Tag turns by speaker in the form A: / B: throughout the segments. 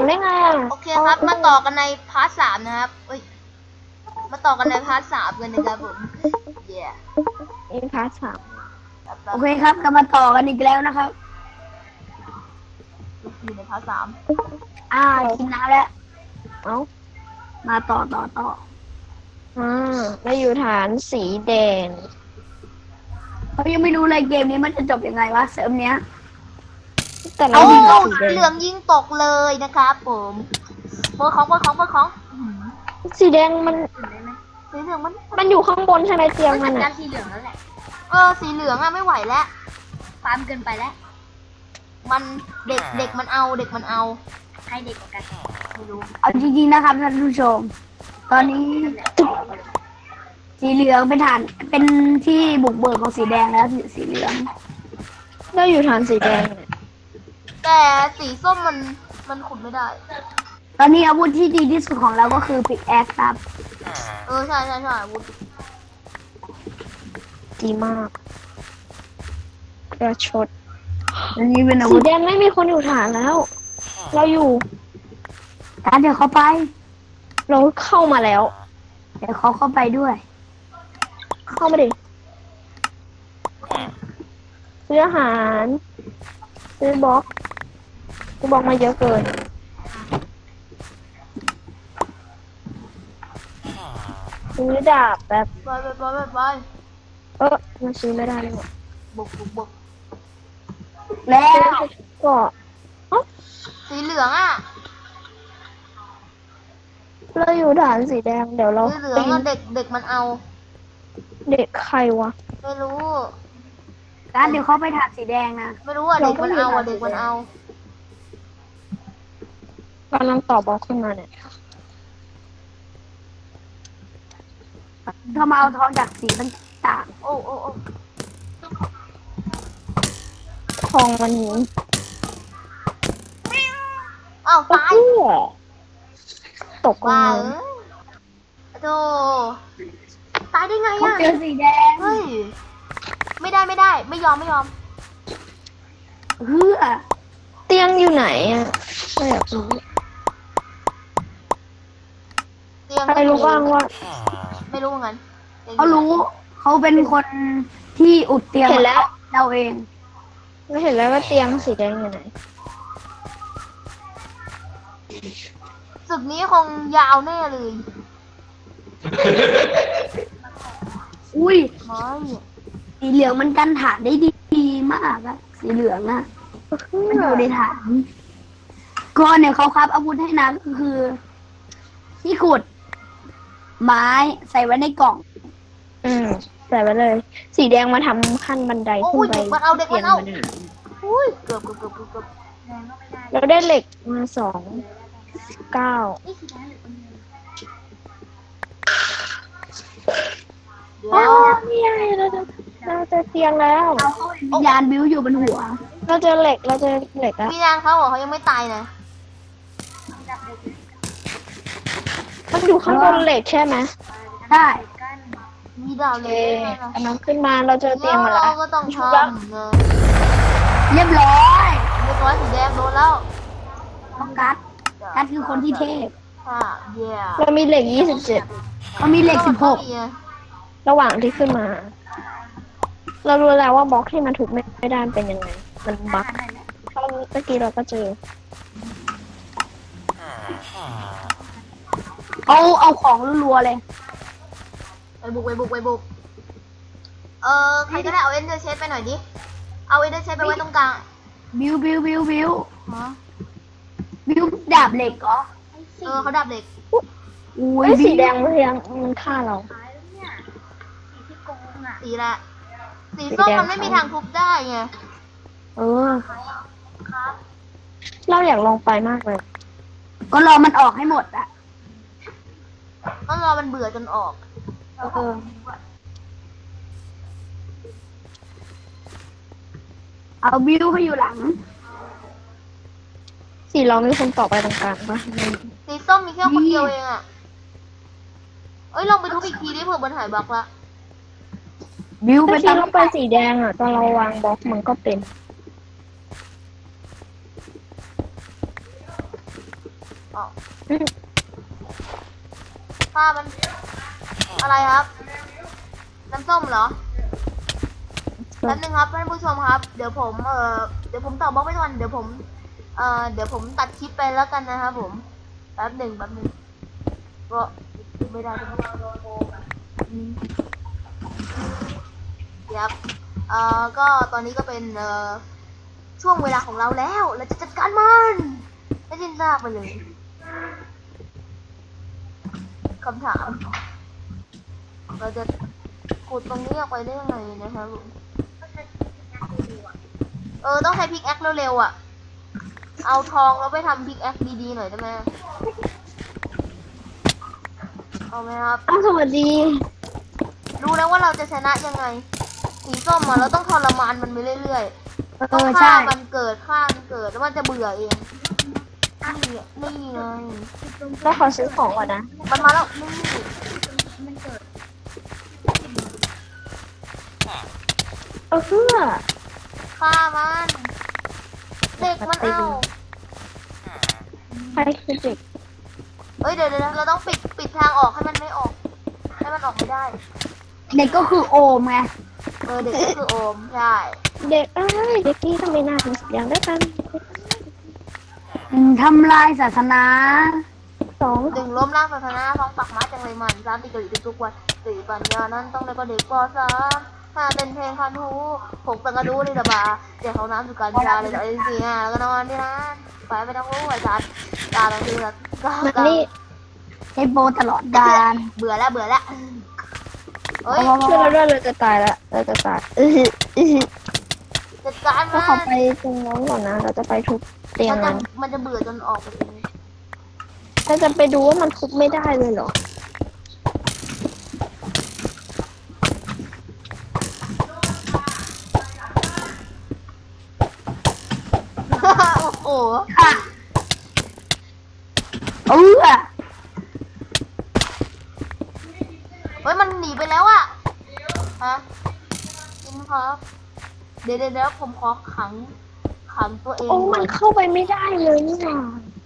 A: ได้ไงอ่ะ
B: โอเคครับมาต่อกันในพาร์ทสามนะครับมาต่อกันในพาร์ทสามกันนะครับผมเย่
A: อินพาร์ทสาม
C: โอเคครับก็มาต่อกันอีกแล้วนะครับ
B: อยู่ในพาร์ทสาม
C: กินน้ำแล้ว
A: เอ้า
C: มาต่อ
A: เราอยู่ฐานสีแดง
C: เขายังไม่รู้เลยเกมนี้มันจะจบยังไงวะเสริมเนี้ย
A: แต่เรา
B: โอ้
A: อยู่ฐานสีแด
B: เหลือง งยิงตกเลยนะครับผมเปิดของ
A: สีแดงมัน
B: สีเหลืองมัน
A: มันอยู่ข้างบนใช่ไหมเตียงมัน
B: จั
A: อ่ะ
B: ดสีเหลืองแล้วแหละสีเหลืองอะไม่ไหวแล้วฟาร์มเกินไปแล้วมันเด็กมันเอาใครเด็กกว่ากันไม่รู้
C: เอาจริงๆนะครับท่านผู้ชม ตอนนี้สีเหลืองเป็นฐานเป็นที่บุกเบิกของสีแดงแล้วสีเหลือง
A: เราอยู่ฐานสีแดงเนี่ย
B: แต่สีส้มมันขุดไม่ได้
C: ตอนนี้อาวุธที่ดีที่สุดของเราก็คือปิกแอคครับ
B: ใช่อาวุธ
A: ดีมากกระชด
C: อันนี้เป็นอา
A: สี
C: วุธ
A: แดงไม่มีคนอยู่ฐานแล้ว เราอยู่
C: การเดี๋ยวเขาไป
A: เราเข้ามาแล้ว
C: เดี๋ยวเขาเข้าไปด้วย
A: เข้ามาดิซื้ออาหารซื้อบล็อกมาเยอะเกินซื้อดาบแบบ
B: ไป
A: มันซื้อไม่ได้เลยว่ะ
B: บุก
C: แล้ว
A: ก็
B: สีเหลืองอะ
A: เราอยู่ฐานสีแดงเดี๋ยวเรา
B: สีเหลืองอะเด็กมันเอา
A: เด็กใครวะ
B: ไม่รู้
C: การเดี๋ยวเขาไปฐานสีแดงนะ
B: ไม่รู้อะเด็กมันเอาอะเด็กมันเอา
A: กำลังต่อบล็อกขึ้นมาเนี่ย
C: เขามาเอาทองจากสีต่าง
B: โอ้
A: ทองวันนี้
B: อ้าวตาย
A: ตกลง
B: ว้า
A: มา
B: โธ่ตายได้ไง
C: ๆเขา
B: อะ
C: เจอสีแดง
B: เฮ้ยไม่ได้ไม่ยอม
C: เฮือ
A: เตียงอยู่ไหนอ่ะไม่อยากรู้
B: เตียง
A: ใครรู้บ้างว่า
B: ไม่รู้เหมือนกัน
C: เขารู้เขาเป็นคนที่อุดเตียง
A: เห็นแล้ว
C: เราเอง
A: ไม่เห็นแล้วว่าเตียงสีแดงอยู่ไหน
B: ศึกนี้คงยาวแน่เลย
C: อุ้ย
B: ไม่
C: สีเหลืองมันกันฐานได้ดีมากอะสีเหลืองอะมันอยู่ในฐานก็เนี่ยเขาครับอาวุธให้นะก็คือ ที่ขุด ไม้ใส่ไว้ในกล่อง
A: ใส่ไว้เลย สีแดงมาทำขั้นบันได
B: โอ้
A: ขึ้น
B: ย
A: ไป
B: เด็กมันเอา
A: เตียงมัน
B: อุ้ยเกือบ
A: เราได้เหล็กมา9
B: เดี๋ยว
A: นี่ไงเราเจอเตียงแล้ว
C: วิญญาณบิ้วอยู่บนหัว
A: เราเจอเหล็กแล้ว
B: มีนางเขาบอกเขายังไม่ตายนะ
A: มันอยู่ข้างบนเหล็กใช่ไหม
C: ใช่
B: มีดาว
A: โอ
B: เล
A: เค
B: ยนะ
A: กำลังขึ้นมาเราเจอเตียงมาแล้ว
B: เราก็ต้องทำนะ
C: เรียบร้อย
B: เรียบร้อยสีแดงโดนแล้ว
C: เพราะกัดคือคนที่เทพ
B: ค่ะเย่
A: เรามีเหล็ก27
C: เขามีเหล็ก16
A: ระหว่างที่ขึ้นมา เรารู้แล้วว่าบล็อกที่มันถูกไม่ได้เป็นยังไง มันบั๊กเพราะเมื่อกี้เราก็เจอ
C: เอาของรัวๆเลย
B: ไปบุกใครก็ได้เอาเอ็นเดอร์เชฟไปหน่อยดิ เอาเอ็นเดอร์เชฟไปไว้ตรงกลาง
C: บิ้ว
B: ฮะ
C: บิ้วดาบเหล็กเหรอ
B: เขาดับเด็ก
C: อุ้ย
A: เอ้ยสีแดง
C: บิ้ว
A: มันฆ่าเรา
B: สีละสีส้มมันไม่มีทางทุบได้ไง
C: เออ
A: เราอยากลองไปมากเลย
C: ก็รอมันออกให้หมดอะ
B: ต้องรอมันเบื่อจนออก
C: เออเอาบิ้วเขาอยู่หลัง
A: สีเรามีคนต่อไปตรงกลางปะ
B: สีส้มมีแค่คนเดียวเองอ่ะลองไปทุบอีกทีดิเผื่อมันหายบั๊กละ
C: บิ้วไป
A: เมื่อกี้
C: ตั้ง
A: เราไปสีแดงอ่ะตอนเราวางบล็อกมันก็เป็น
B: อ๋อผ้ามันอะไรครับ น้ำส้มเหรอ แป๊บนึงครับท่านผู้ชมครับ เดี๋ยวผมเดี๋ยวผมตอบบล็อกไว้ก่อนเดี๋ยวผมตัดคลิปไปแล้วกันนะครับผม แป๊บหนึ่งก็ไม่ได้ครับเดี๋ยวก็ตอนนี้ก็เป็นช่วงเวลาของเราแล้วเราจะจัดการมันไม่สิ้นซากไปเลยคำถาม เราจะขุดตรงนี้ออกไปได้ยังไงนะครับผมต้องใช้พิกแอคเร็วๆอ่ะ เอาทองแล้วไปทำพิกแอคดีๆหน่อยได้ไหมเอาไหมครับ
A: อ้าวสวัสดี
B: รู้แล้วว่าเราจะชนะยังไง สีส้มอ่ะเราต้องทรมานมันไปเรื่อยๆ ต้อง
C: ใช่
B: ฆ่ามันเกิดแล้วมันจะเบื่อเองนี่ไง
A: เราขอซื้อของก่อนนะ
B: มันมาแล้วนี่
A: เพื่อ
B: ฆ่ามันเด็กมันเอา
A: ใครคือเด็ก
B: เดี๋ยวเราต้องปิดทางออกให้มันไม่ออก ให้มันออกไม่ได้
C: เด็กก็คือโอมไง
B: เด็กก็คือโอมใช่
A: เด็กเด็กนี่ทำไมน่าถึงอย่างด้วยกัน
C: ทำลายศาสนา
A: 2
B: หนึ่งล้มล้างศาสนาสองปักไม้จังเลยมันสามตีกะหรี่ทุกวันสี่ปัญญานั้นต้องได้ก็เด็กปสามห้าเป็นเพลงคันหูหกตังกระดูนี่ระบาเจ็ดเขาน้ำสุการชาเลยไอ้สี่แล้วก็นอนที่นั่นไปไม่ต้องรู้ไอ้จัดตาบางทีแบบก็
A: มันนี่
C: ให้โบตลอดกาล
B: เบื่อแล้วเฮ้ย
A: ช่วยเราด้วยเราจะตายแล้วเราจะตาย
B: จัดการ
A: ก็
B: มัน
A: ขอไปตรงน้องก่อนนะ เราจะไปทุบเตียงมัน
B: มันจะเบื่อจนออกไปเอง
A: เราจะไปดูว่ามันทุบไม่ได้เลยเหรอ
B: โอ้โห
C: ค่ะเออ
B: เฮ้ยมันหนีไปแล้วอะฮะจริงครับเดี๋ยวผมขอขังตัวเอง
A: โอ้มันเข้าไปไม่ได้เลยนี่หว่า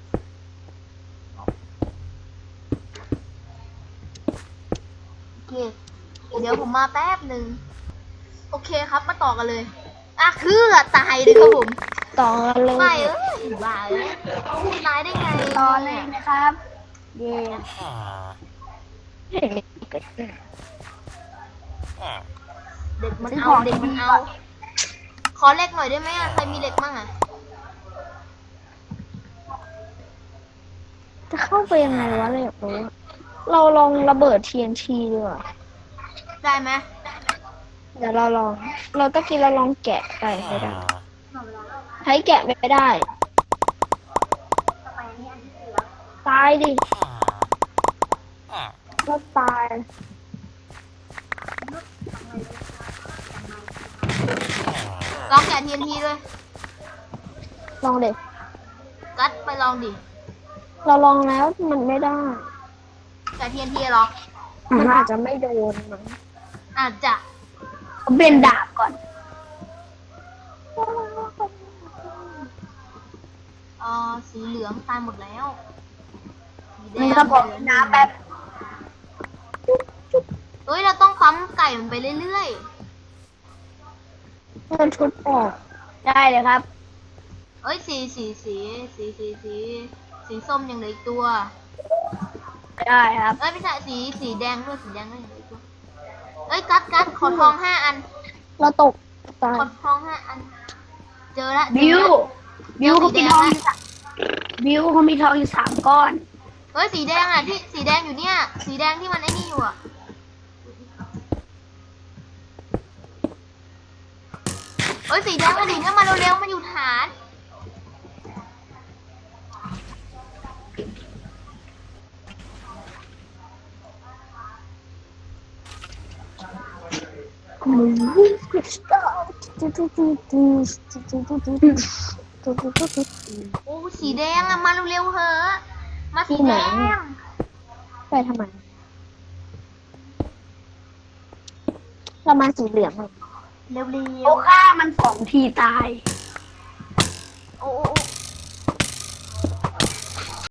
B: โอเคเดี๋ยวผมมาแป๊บหนึ่งโอเคครับมาต่อกันเลยคือตายเลยครับผม
A: ต่อเลย
B: ไม่บ้าตายได้ไง
C: ต่อเลยนะครับ เย่
A: เห็น
B: เด็กมันเอาขอเหล็กหน่อยได้ไหมใครมีเหล็กมั่ง
A: จะเข้าไปยังไงวะเลยอยากรู้อะเราลองระเบิด TNT ดีกว่า
B: ได้ไหม
A: เดี๋ยวเราลอง เราตะกี้เราลองแกะไก่ไม่ได้ใช้แกะไม่ได้ ตายดิก็ตาย
B: ลองแกะ TNT ด้วย
A: ลองเด็ก
B: กัดไปลองดิ
A: เราลองแล้วมันไม่ได้
B: แกะ TNT เหรอ
A: มันอาจจะไม่โดนมั้ง
B: อาจจะ
C: เอาเป็นดาบก่อน
B: สีเหลืองตายหมดแล้วสีแด
C: มัน
B: ง
C: ก็บอกน้ำแป๊บ
B: เฮ้ยเราต้องปั๊มไก่มันไปเรื่อย
A: มันชุดออก
C: ได้เลยครับ
B: ๆเอ้ยสีส้มยังเหลืออีกตัว
C: ได้ครับ
B: เอ้ยไม่ใช่สีแดงด้วยสีแดงด้วยยังเหลืออีกตัวเอ้ยกัดขอทอง5 อัน
A: เราตกตาย
B: ขอทอง5 อัน เจอละ
C: บิวเขามีทองอยู่บิวเขามีทองอยู่3 ก้อน
B: เฮ้ยสีแดงที่สีแดงอยู่เนี่ย สีแดงที่มันไอ้นี่อยู่เฮ้ยสีแดงมาดิเนี่ยมาเร็วๆมาอยู่ฐาน โอ้สีแดงมาเร็วๆเหอะมาสีแดง
A: ไปทำไม เรามาสีเหลืองเลย
B: เร็ว
C: โอ้ฆ่ามัน2 ทีตาย
B: ๆโอ้